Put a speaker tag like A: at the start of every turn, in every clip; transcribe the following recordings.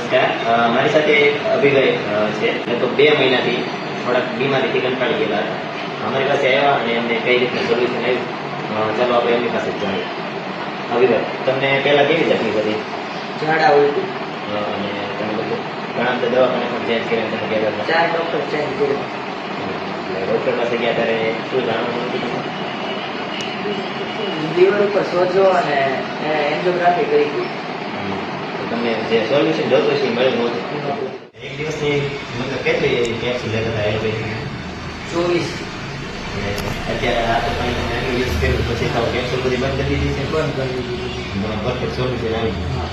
A: નમસ્કાર, મારી સાથે અભિગય છે. તો 2 મહિનાથી થોડાક બીમારીથી કંટાળી ગયેલા હતા. અમારી પાસે આવ્યા અને અમને કઈ રીતના સોલ્યુશન આવ્યું, ચાલો આપણે એમની પાસે જ જાણીએ. અભિગય, તમને પહેલા કેવી તકલીફ હતી?
B: ઝાડા ઉલટી.
A: અને તમે બધું ઘણા બધા દવાખાને પણ ચેન્જ કર્યા તમે કહેતા હતા.
B: 4 ડોક્ટર ચેન્જ કર્યા.
A: એટલે ડૉક્ટર પાસે ગયા ત્યારે શું જાણવાનું હતું?
B: લીવર ઉપર સોજો અને એન્જિયોગ્રાફી કરી હતી.
A: તો તમને જે સોલ્યુશન જોતું છે એ મળ્યું નહોતું. એક દિવસની મતલબ કેટલી કેપ્સ્યુલ લેતા હતા એલોપેથી?
B: 24
A: અત્યારે આ તો કંઈ તમે એનું યુઝ કર્યું પછી તો કેપ્સ્યુલ બધી બંધ કરી દીધી છે.
B: બંધ કરી દીધી.
A: પરફેક્ટ સોલ્યુશન આવી ગયું.
B: હા.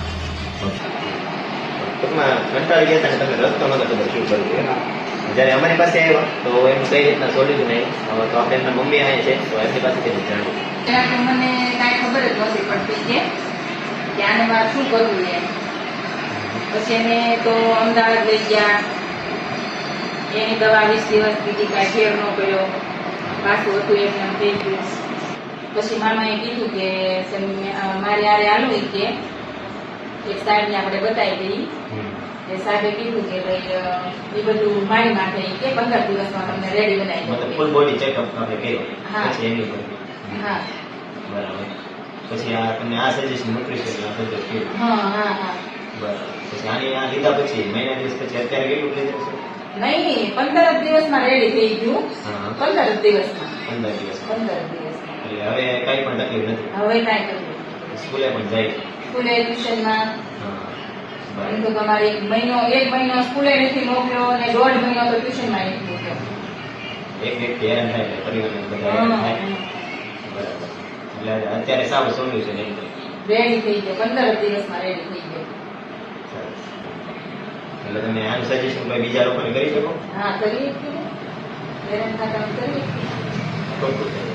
A: ટૂંકમાં કંટાળી ગયા હતા અને તમે રસ્તો નતો ખબર શું કરવું એમ. જ્યારે અમારી પાસે આવ્યો તો એનું કઈ રીતના સોલ્યુશન આવ્યું, તો આપણે એમના મમ્મી આવે છે તો એમની પાસેથી જ જાણ્યું.
C: ત્યારે તો મને કાંઈ ખબર જ નહોતી પડતી કે આને મારે શું કરવું એમ. પછી એને તો અમદાવાદ લઈ ગયા, એની દવા 20 દિવસ પીધી, કાંઈ ફેર ન કર્યો, પાછું હતું એમને એમ થઈ ગયું. પછી મામાએ કીધું કે મારે યારે હાલું કે એક સાહેબને આપણે બતાવી દઈએ. એ સાહેબે કીધું કે ભાઈ એ બધું મારી માટે કે 15 દિવસમાં તમને રેડી બનાવી
A: મતલબ
C: દઉં.
A: ફૂલ બોડી ચેકઅપ આપણે કર્યો
C: હા.
A: પછી એની પર
C: હા
A: બરાબર. પછી આ તમને આ સજેશન ન્યુટ્રિશન આ બધું કર્યું.
C: હા હા હા
A: બરાબર. પછી આની આ લીધા પછી મહિના દિવસ પછી અત્યારે કેટલું પ્રેશર છે?
C: નહીં, 15 દિવસમાં રેડી થઈ ગયું.
A: હા.
C: 15 દિવસમાં
A: 15 દિવસ.
C: 15 દિવસમાં
A: એટલે હવે કઈ પણ તકલીફ નથી.
C: હવે કાંઈ કર્યું.
A: સ્કૂલે પણ જાય.
C: સ્કૂલે ટ્યુશનમાં
A: હા.
C: એમ તો
A: બરાબર.
C: તમારી એક મહિનો સ્કૂલે નથી મોકલ્યો અને 1.5 મહિનો તો ટ્યુશનમાં નથી મોકલ્યો.
A: એક વ્યક્તિ હેરાન થાય એટલે પરિવારને બધા હેરાન થાય. બરાબર. એટલે અત્યારે સારું સોલ્યુશન એમ કહે.
C: રેડી થઈ ગયો, 15 દિવસમાં રેડી થઈ ગયો.
A: સરસ. એટલે તમે આનું સજેશન કોઈ બીજા લોકોને કરી શકો?
C: હા, કરીએ છીએ. હેરાન થતા કરીએ છીએ.
A: ખૂબ ખૂબ